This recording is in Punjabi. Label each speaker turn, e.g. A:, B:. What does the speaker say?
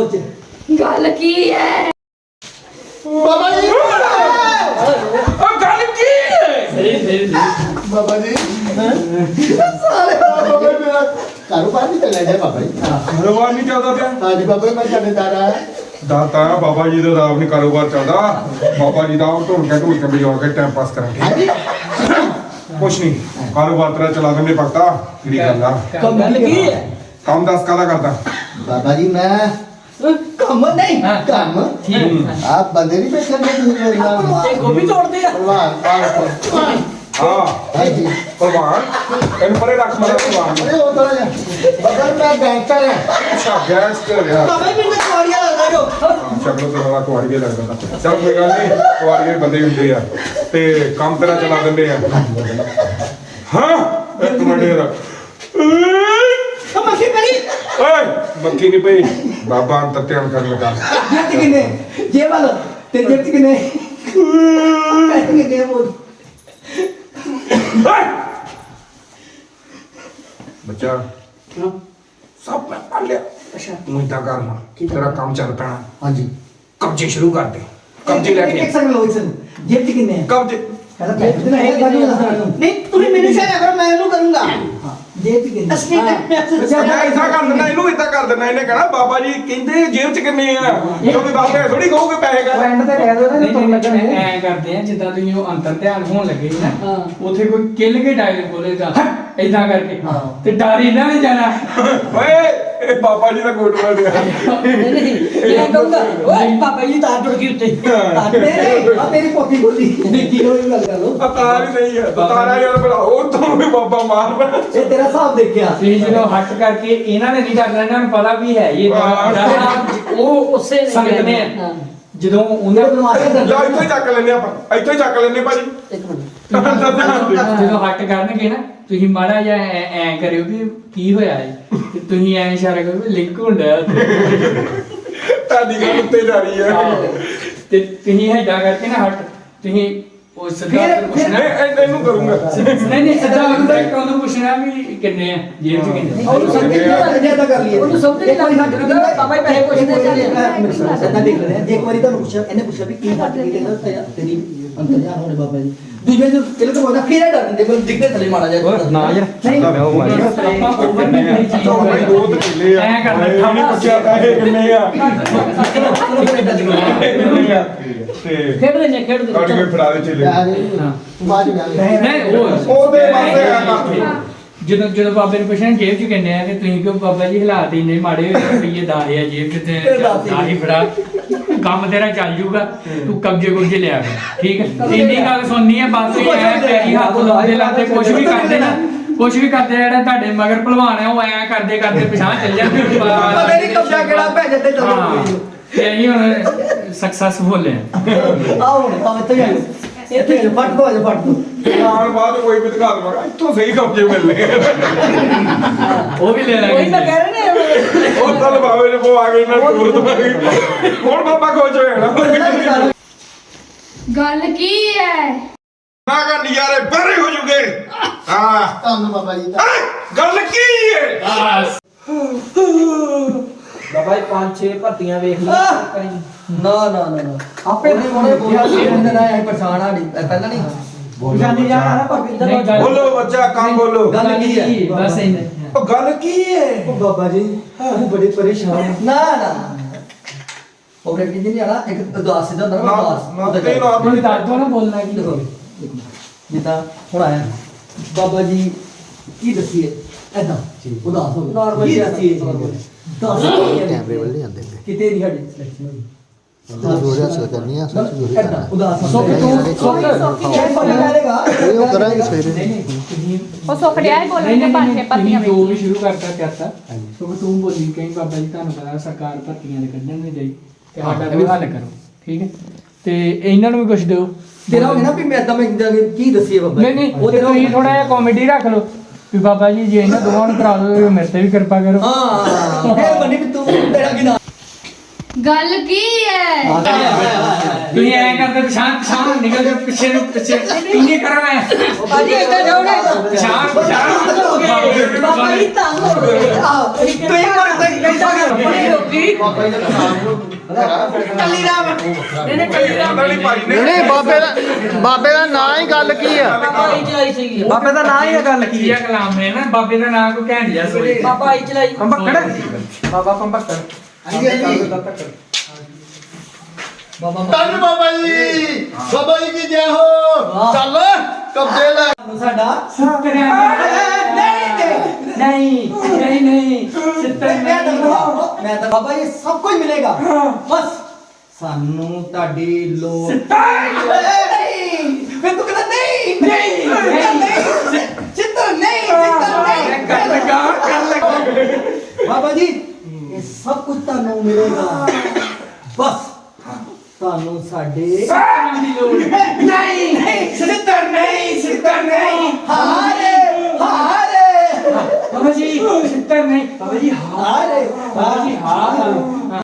A: ਸੋਚ
B: ਗੱਲ ਕੀ ਹੈ
C: ਬਾਬਾ ਜੀ
D: ਉਹ ਗੱਲ ਕੀ ਹੈ
A: ਸਹੀ
C: ਬਾਬਾ ਜੀ ਸਾਰੇ ਬਾਬਾ ਮੇਰਾ ਕਾਰੋਬਾਰ ਨਹੀਂ ਚੱਲਿਆ ਜੀ ਬਾਬਾ ਜੀ
D: ਕਾਰੋਬਾਰ ਨਹੀਂ ਚੱਲਦਾ ਪਿਆ
C: ਹਾਂਜੀ ਬਾਬਾ ਮੈਂ ਤੁਹਾਡੇ ਦਾਰਾ
D: ਦਾਤਾ ਬਾਬਾ ਜੀ ਦਾ ਆਪ ਨਹੀਂ ਕਾਰੋਬਾਰ ਚੱਲਦਾ ਬਾਬਾ ਜੀ ਦਾ ਆਪ ਢੋਲ ਕੇ ਵਜਾ ਕੇ ਟਾਈਮ ਪਾਸ ਕਰਾਂਗੇ
C: ਹਾਂਜੀ
D: ਕੁਛ ਨਹੀਂ ਕਾਰੋਬਾਰ ਤੇਰਾ ਚਲਾ ਦਿੰਦੇ ਭਗਤਾ ਕਿਹੜੀ ਗੱਲ ਆ
A: ਗੱਲ ਕੀ ਹੈ
D: ਕੰਮ ਦੱਸ ਕਾਹਦਾ ਕਰਦਾ
C: ਬਾਬਾ ਜੀ ਮੈਂ ਕੰਮ ਨਹੀਂ ਕੰਮ
A: ਠੀਕ
C: ਆਪ ਬੰਦੇ ਨਹੀਂ ਬੈਠੇ ਨੇ ਤੁਸੀਂ ਮੇਰੇ ਨਾਲ
A: ਇਹ ਗੋਭੀ ਤੋੜਦੇ ਆ
C: ਭਲਵਾਨ
D: ਹਾਂ
C: ਹਾਂਜੀ
D: ਭਲਵਾਨ ਇਹਨੂੰ ਪਰੇ ਰੱਖ ਮੇਰਾ ਭਲਵਾਨ
C: ਅਰੇ ਉਹ ਤਾਂ ਬਾਬਾ ਮੈਂ ਗੈਂਗਸਟਰ ਹਾਂ
D: ਅੱਛਾ ਗੈਸ ਕਰ ਰਿਹਾ
A: ਬਾਬਾ ਜੀ ਮੈਨੂੰ ਕੋੜੀਆ ਲੱਗਦਾ ਜੋ
D: ਸ਼ਕਲੋਂ ਤੋਂ ਬੜਾ ਕੁਆੜੀਏ ਲੱਗਦਾ ਚਲ ਕੋਈ ਗੱਲ ਨਹੀਂ ਕੁਆੜੀਏ ਬੰਦੇ ਹੁੰਦੇ ਆ ਤੇ ਕੰਮ ਤੇਰਾ ਚਲਾ ਦਿੰਦੇ ਆ ਹਾਂ ਇੱਕ ਮਿੰਟ ਯਾਰ
A: ਤਾਂ ਮੱਖੀ ਪੜੀ
D: ਓਏ ਮੱਖੀ ਨਹੀਂ ਪਈ ਬਾਬਾ ਅੰਤਰ ਧਿਆਨ ਕਰਨ ਲੱਗਾ
A: ਜੇਬ ਚ ਕਿੰਨੇ ਜੇਬ ਵਾਲ ਤੇ ਜੇਬ ਚ ਕਿੰਨੇ ਪੈਸੇ ਕਿੰਨੇ ਬੋਲ
D: ਓਏ ਬੱਚਾ ਸਭ ਮੈਂ ਪੜ ਲਿਆ
A: ਅੱਛਾ
D: ਤੂੰ ਇਦਾਂ ਕਰਨਾ ਤੇਰਾ ਕੰਮ ਚੱਲ ਪੈਣਾ
C: ਹਾਂਜੀ
D: ਕਬਜ਼ੇ ਸ਼ੁਰੂ ਕਰ ਦੇ ਕਬਜ਼ੇ ਲੈ ਕੇ
A: ਇੱਕ ਸੈਕਿੰਡ ਲੋ ਇੱਕ ਸੈਕਿੰਡ ਜੇਬ ਚ ਕਿੰਨੇ
D: ਕਬਜ਼ੇ
A: ਕਹਿੰਦਾ ਪੈਸੇ ਨਹੀਂ ਹੈ ਨਹੀਂ ਤੁਸੀਂ ਮੈਨੂੰ ਸ਼ਾਇਦ ਕਰੋ ਮੈਂ ਇਹਨੂੰ ਕਰੂੰਗਾ ਹਾਂ ਜੇਬ ਚ ਕਿੰਨੇ
D: ਅੱਛਾ ਮੈਂ ਇਦਾਂ ਕਰ ਦਿੰਦਾ ਇਹਨੂੰ ਇਦਾਂ ਕਰ ਦਿੰਦਾ ਇਹਨੇ ਕਹਣਾ ਬਾਬਾ ਜੀ ਕਹਿੰਦੇ ਜੇਬ 'ਚ ਕਿੰਨੇ ਆ ਕਿਉਂਕਿ ਬਾਬੇ ਥੋੜੀ ਕਹੋਗੇ ਪੈਸੇ ਕਰ
A: ਐਂਡ ਤੇ ਕਹਿ ਦੋ ਨਾ ਤੁਹਾਨੂੰ ਲੱਗਣਾ
E: ਐ ਕਰਦੇ ਆ ਜਿੱਦਾਂ ਤੁਸੀਂ ਉਹ ਅੰਤਰ ਧਿਆਨ ਹੋਣ ਲੱਗੇ ਸੀ ਨਾ
A: ਹਾਂ।
E: ਉਥੇ ਕੋਈ ਕਿੱਲ ਕੇ ਡਾਇਲੌਗ ਬੋਲੇਗਾ ਏਦਾਂ ਕਰਕੇ
A: ਹਾਂ।
E: ਤੇ ਡਰ ਇਹਨਾਂ ਨੇ ਜਾਣਾ
D: ਓਏ ਇਹ ਬਾਬਾ ਜੀ ਦਾ ਕੋਟ ਮਾਰਿਆ
A: ਮੈਂ ਕਹੂੰਗਾ ਓਏ ਪਾਪਾ ਜੀ ਤਾਰ ਟੁੱਟ ਗਈ ਉੱਤੇ ਨਹੀਂ ਆ ਮੇਰੀ ਪੋਤੀ ਬੋਲੀ ਕੀ ਹੋਈ ਗੱਲ ਕਰ ਲੋ
D: ਆ ਤਾਰ ਹੀ ਨਹੀਂ ਹੈ ਤਾਰਾ ਯਾਰ ਬਣਾਓ ਤੋਂ ਵੀ ਬਾਬਾ ਮਾਰ ਬਣਾ
A: ਇਹ ਤੇਰਾ ਹਿਸਾਬ ਦੇਖਿਆ
E: ਤੁਸੀਂ ਜਦੋਂ ਹੱਟ ਕਰਕੇ ਇਹਨਾਂ ਨੇ ਨਹੀਂ ਕਰਨਾ ਇਹਨਾਂ ਨੂੰ ਪਤਾ ਵੀ ਹੈ ਇਹ ਉਹ
B: ਉਸੇ ਨੇ
E: ਸੰਗਤ ਨੇ
B: ਹਾਂ।
E: ਜਦੋਂ ਉਹਨਾਂ
A: ਉਹਨੇ ਬਿਮਾਰੀ ਦਾ
D: ਜਾ ਇੱਥੋਂ ਹੀ ਚੱਕ ਲੈਨੇ ਆਪਾਂ ਇੱਥੋਂ ਹੀ ਚੱਕ ਲੈਨੇ ਭਾਜੀ
B: ਇੱਕ ਮਿੰਟ
E: ਜਦੋਂ ਹੱਟ ਕਰਨਗੇ ਨਾ ਤੁਸੀਂ ਮਾੜਾ ਜਿਹਾ ਐ ਕਰਿਓ ਵੀ ਕੀ ਹੋਇਆ ਹੈ ਤੇ ਤੁਸੀਂ ਐ ਇਸ਼ਾਰਾ ਕਰੋ ਵੀ ਲਿੰਕ ਹੁੰਦਾ
D: ਤੁਹਾਡੀ ਗੱਲ ਉੱਤੇ ਜਾ ਰਹੀ ਹੈ
E: ਤੇ ਤੁਸੀਂ ਏਦਾਂ ਕਰਕੇ ਨਾ ਹੱਟ ਤੁਸੀਂ ਉਹ ਸਰਦਾਰ ਨੂੰ ਪੁੱਛਣਾ
D: ਇਹਨੂੰ ਕਰੂੰਗਾ
E: ਨਹੀਂ ਸਿੱਧਾ ਉਹਨੂੰ ਪੁੱਛਣਾ ਵੀ ਕਿੰਨੇ ਆ ਜੇਬ 'ਚ ਕਿੰਨੇ
A: ਉਹਨੂੰ ਸਮਝ ਨਹੀਂ ਲੱਗ ਜਾਂਦਾ ਕਰ ਲਈਏ
B: ਉਹਨੂੰ ਸਮਝ ਨਹੀਂ ਲੱਗਦਾ ਬਾਬਾ ਜੀ ਪੈਸੇ ਪੁੱਛਦੇ ਚੱਲੇ
A: ਸੱਦਾ ਦੇਖ ਲੈਂਦੇ ਆ ਜੇ ਇੱਕ ਵਾਰੀ ਤੁਹਾਨੂੰ ਪੁੱਛਿਆ ਇਹਨੇ ਪੁੱਛਿਆ ਵੀ ਕੀ ਹੱਟ ਕੀ ਕਹਿੰਦਾ ਤੇਰੀ ਅੰਤਰਜਾਨ ਹੋਣੇ ਬਾਬਾ ਜੀ ਦੂਜੇ ਜੋ ਚਲੋ ਤਾਂ ਉਹਦਾ ਫੇਰ ਡਰ ਦਿੰਦੇ ਬਲ ਦਿਖਦੇ ਥੱਲੇ ਮਾੜਾ ਜਾ
E: ਨਾ ਯਾਰ
A: ਨਹੀਂ
E: ਆਪਾਂ ਓਵਰ ਨਹੀਂ ਕਰੀ ਚੀਜ਼
D: ਭਾਈ ਦੋ ਕਿੱਲੇ ਆ
E: ਐਂ ਕਰਨਾ,
D: ਇਹ ਨਹੀਂ ਪੁੱਛਿਆ ਪੈਸੇ ਕਿੰਨੇ ਆ ਤੇ
B: ਖੇਡਦੇ ਨੇ ਖੇਡਦੇ
D: ਕੱਢ ਕੇ ਫੜਾ ਦੇ ਚੇਲੇ
C: ਬਾਜ ਗਿਆ
E: ਨਹੀਂ ਉਹ
D: ਉਹਦੇ ਪਾਸੇ ਕਰਨਾ
E: ਜਦੋਂ ਬਾਬੇ ਨੂੰ ਪੁੱਛਣਾ ਜੇਬ 'ਚ ਕਿੰਨੇ ਆ ਤੇ ਤੁਸੀਂ ਕਿਉਂ ਬਾਬਾ ਜੀ ਹਾਲਾਤ ਇੰਨੇ ਮਾੜੇ ਹੋਏ ਰੁਪਈਏ 10 ਆ ਜੇਬ 'ਚ ਤੇ 10 ਹੀ ਫੜਾ ਕੰਮ ਤੇਰਾ ਚੱਲ ਜੂਗਾ ਤੂੰ ਕਬਜੇ ਲਿਆ ਕਰ ਠੀਕ ਹੈ ਇੰਨੀ ਗੱਲ ਸੁਣਨੀ ਹੈ ਬਸ ਇਹ ਐ ਪੈਰੀ ਹੱਥ ਲਾਉਂਦੇ ਕੁਝ ਵੀ ਕਰਦੇ ਨਾ ਕੁਝ ਵੀ ਕਰਦੇ ਜਿਹੜੇ ਤੁਹਾਡੇ ਮਗਰ ਭਲਵਾਨ ਆ ਉਹ ਐ ਕਰਦੇ ਪਿਛਾਂ ਚੱਲ ਜਾਂਦੇ
A: ਪਤਾ ਨਹੀਂ ਕਬਜ਼ਾ ਕਿਹੜਾ ਭੈ ਜਾਂਦੇ
E: ਹਾਂ ਤੇ ਅਸੀਂ ਹੁਣ ਸਕਸੈਸਫੁਲ ਆ
A: ਆਓ ਹੁਣ ਭਾਵੇਂ ਤੇ ਜਾਓ ਇੱਥੇ ਫਟ ਦੋ ਅੱਜ ਫਟ ਦੋ
D: ਨਾਲ ਬਾਅਦ ਕੋਈ ਵੀ ਦਿਖਾ ਦਵਾਂਗਾ ਇੱਥੋਂ ਸਹੀ ਕਬਜੇ ਮਿਲਨੇ
E: ਉਹ ਵੀ ਲੈ
B: ਉਹੀ ਤਾਂ
E: ਲਾਂਗੇ
B: ਕਹਿ ਰਹੇ ਨੇ
D: ਉਹ ਤਾਂ ਬਾਬੇ ਨੇ ਉਹ ਆ ਗਏ ਨਾ ਟੂਰ ਦਵਾਂਗੇ ਹੁਣ ਬਾਬਾ ਖੁਸ਼ ਹੋਇਆ ਨਾ
B: ਗੱਲ ਕੀ ਹੈ
D: ਨਾ ਕਰ ਨਜ਼ਾਰੇ ਬਾਰੇ ਹੋ ਜੂਗੇ ਹਾਂ
C: ਧੰਨ ਬਾਬਾ ਜੀ ਦਾ
D: ਗੱਲ ਕੀ ਹੈ
F: ਬਾਬਾ ਜੀ 5-6 ਭਰਤੀਆਂ ਵੇਖ ਲਈ
A: ਨਾ ਆਪੇ ਥੋੜੇ ਬੋਲਦੇ ਨਾ ਇਹ ਪਛਾਣ ਆ ਨਹੀਂ ਪਹਿਲਾਂ ਨਹੀਂ ਜਾਨੀ ਜਾਣਾ ਨਾ ਭਾਵੇਂ
E: ਨਹੀਂ ਗੱਲ
D: ਬੋਲੋ ਬੱਚਾ ਕੰਮ ਬੋਲੋ
A: ਗੱਲ ਕੀ ਹੈ
E: ਬਸ ਇੰਨੇ
D: ਉਹ ਗੱਲ ਕੀ ਹੈ
A: ਉਹ ਬਾਬਾ ਜੀ ਉਹ ਬੜੇ ਪਰੇਸ਼ਾਨ ਹੈ ਨਾ ਉਹ ਕਹਿੰਦੀ ਨਹੀਂ ਆਣਾ ਇੱਕ ਉਦਾਸ ਸਿੱਧਾ ਹੁੰਦਾ ਨਾ
D: ਨਾ ਤੇ ਨਾ
E: ਤੁਸੀਂ ਦੱਸ ਦੋ ਨਾ ਬੋਲਣਾ ਕੀ
A: ਦੇਖੋ ਜਿੱਦਾਂ ਹੁਣ ਆਇਆ ਬਾਬਾ ਜੀ ਕੀ ਦੱਸੀਏ ਐਦਾਂ ਉਦਾਸ ਹੋ ਗਿਆ ਕੀ ਦੱਸੀਏ ਦੱਸ
C: ਕੈਮਰੇ ਵੱਲ ਨਹੀਂ ਆਉਂਦੇ
A: ਕਿਤੇ ਦੀ ਸਾਡੀ ਸਿਲੈਕਸ਼ਨ ਹੋਈ
C: ਜੋੜੇ ਹੱਸਲ ਕਰਨੀ ਆ ਸੱਚ ਜੋੜੇ
A: ਐਦਾਂ ਉਦਾਸ ਹੋ
E: ਸੁੱਖ ਤੂੰ ਸੁੱਖ
A: ਇਹ ਬੰਦਾ ਕਰੇਗਾ
C: ਇਹ ਉਹ ਕਰਾਂਗੇ ਸਵੇਰੇ
E: ਨਹੀਂ ਤੁਸੀਂ
G: ਉਹ ਸੁੱਖ ਰਿਹਾ ਹੈ ਬੋਲਣ ਦੇ ਪਾਸੇ ਪੱਤੀਆਂ
E: ਜੋ ਵੀ
G: ਵੇਖੀ
E: ਸ਼ੁਰੂ ਕਰਤਾ ਸੋ ਤੂੰ ਬੋਲੀ ਕਹੀਂ ਬਾਬਾ ਜੀ ਤੁਹਾਨੂੰ ਪਤਾ ਸਰਕਾਰ ਭਰਤੀਆਂ ਦੇ ਕੱਢਣ ਨਹੀਂ ਦੇਈ ਤੇ ਸਾਡਾ ਕੋਈ ਹੱਲ ਕਰੋ ਠੀਕ ਹੈ ਤੇ ਇਹਨਾਂ ਨੂੰ ਵੀ ਕੁਝ ਦਿਓ
A: ਤੇਰਾ ਹੋ ਗਿਆ ਨਾ ਵੀ ਮੈਂ ਤਾਂ ਮੈਂ ਕੀ ਦੱਸੀਏ ਬਾਬਾ
E: ਨਹੀਂ ਉਹ ਤੇ ਤੁਸੀਂ ਥੋੜਾ ਜਿਹਾ ਕਾਮੇਡੀ ਰੱਖ ਲਓ ਵੀ ਬਾਬਾ ਜੀ ਜੇ ਇਹਨਾਂ ਦੋਵਾਂ ਨੂੰ ਕਰਾ ਦਿਓ ਮੇਰੇ ਤੇ ਵੀ ਕਿਰਪਾ ਕਰੋ
A: ਹਾਂ ਫੇਰ ਬੰਨੀ ਵੀ ਤੂੰ ਤੇਰਾ ਕੀ ਨਾਮ
B: ਗੱਲ ਕੀ ਹੈ
E: ਤੁਸੀਂ ਐ ਕਰਦੇ ਪਛਾਣ ਨਿਕਲ ਜਾ ਪਿੱਛੇ ਨੂੰ ਪਿੱਛੇ ਇੰਨੇ ਕਰੋ ਐ
B: ਭਾਜੀ ਇੱਧਰ ਜਾਓ ਨਾ
E: ਪਛਾਣ
B: ਬਾਬਾ ਜੀ ਤੰਗ ਹੋ ਗਏ
A: ਤੂੰ ਇੱਕ ਵਾਰ ਤਾਂ
B: ਬੜੀ ਰੋਕੀ
C: ਬਾਬਾ ਜੀ ਦਾ ਕੰਮ
B: ਕੱਲੀ ਰਾਮ ਨਹੀਂ ਕੱਲੀ ਰਾਮ
C: ਨਹੀਂ ਬਾਬੇ ਦਾ ਨਾਂ ਹੀ ਗੱਲ ਕੀ ਆ
B: ਬਾਬਾ ਹੀ ਚਲਾਈ ਸੀ
F: ਬਾਬੇ ਦਾ ਨਾਂ ਹੀ ਹੈ ਗੱਲ ਕੀ
E: ਕੀ ਕਲਾਮ ਹੈ ਨਾ ਬਾਬੇ ਦਾ ਨਾਂ ਕੋ ਘੈਂਟ ਜਾ ਸੋਈ
B: ਬਾਬਾ ਹੀ ਚਲਾਈ
F: ਪੰਪਕੜ ਬਾਬਾ ਪੰਪਕੜ
C: ਧੰਨ ਬਾਬਾ ਜੀ ਕੀ ਜੈ ਹੋ ਚੱਲ ਕਬਜ਼ੇ ਲੈ
A: ਸਾਡਾ
E: ਨਹੀਂ
A: ਮੈਂ ਤਾਂ ਬਾਬਾ ਇਹ ਸਭ ਕੁਝ ਮਿਲੇਗਾ ਬਸ ਸਾਨੂੰ ਤੁਹਾਡੀ ਲੋੜ ਨਹੀਂ ਫਿਰ ਤੂੰ ਕਹਿੰਦਾ ਨਹੀਂ ਚਿੱਤਰ ਨਹੀਂ ਬਾਬਾ ਜੀ ਇਹ ਸਭ ਕੁਝ ਤੁਹਾਨੂੰ ਮਿਲੇਗਾ ਬਸ ਤੁਹਾਨੂੰ ਸਾਡੇ ਨਹੀਂ ਚਿੱਤਰ ਨਹੀਂ ਹਾਰੇ
E: ਬਾਬਾ ਜੀ ਸਿੱਤਰ ਨਹੀਂ ਬਾਬਾ ਜੀ
A: ਹਾਰੇ
E: ਬਾਬਾ ਜੀ ਹਾਂ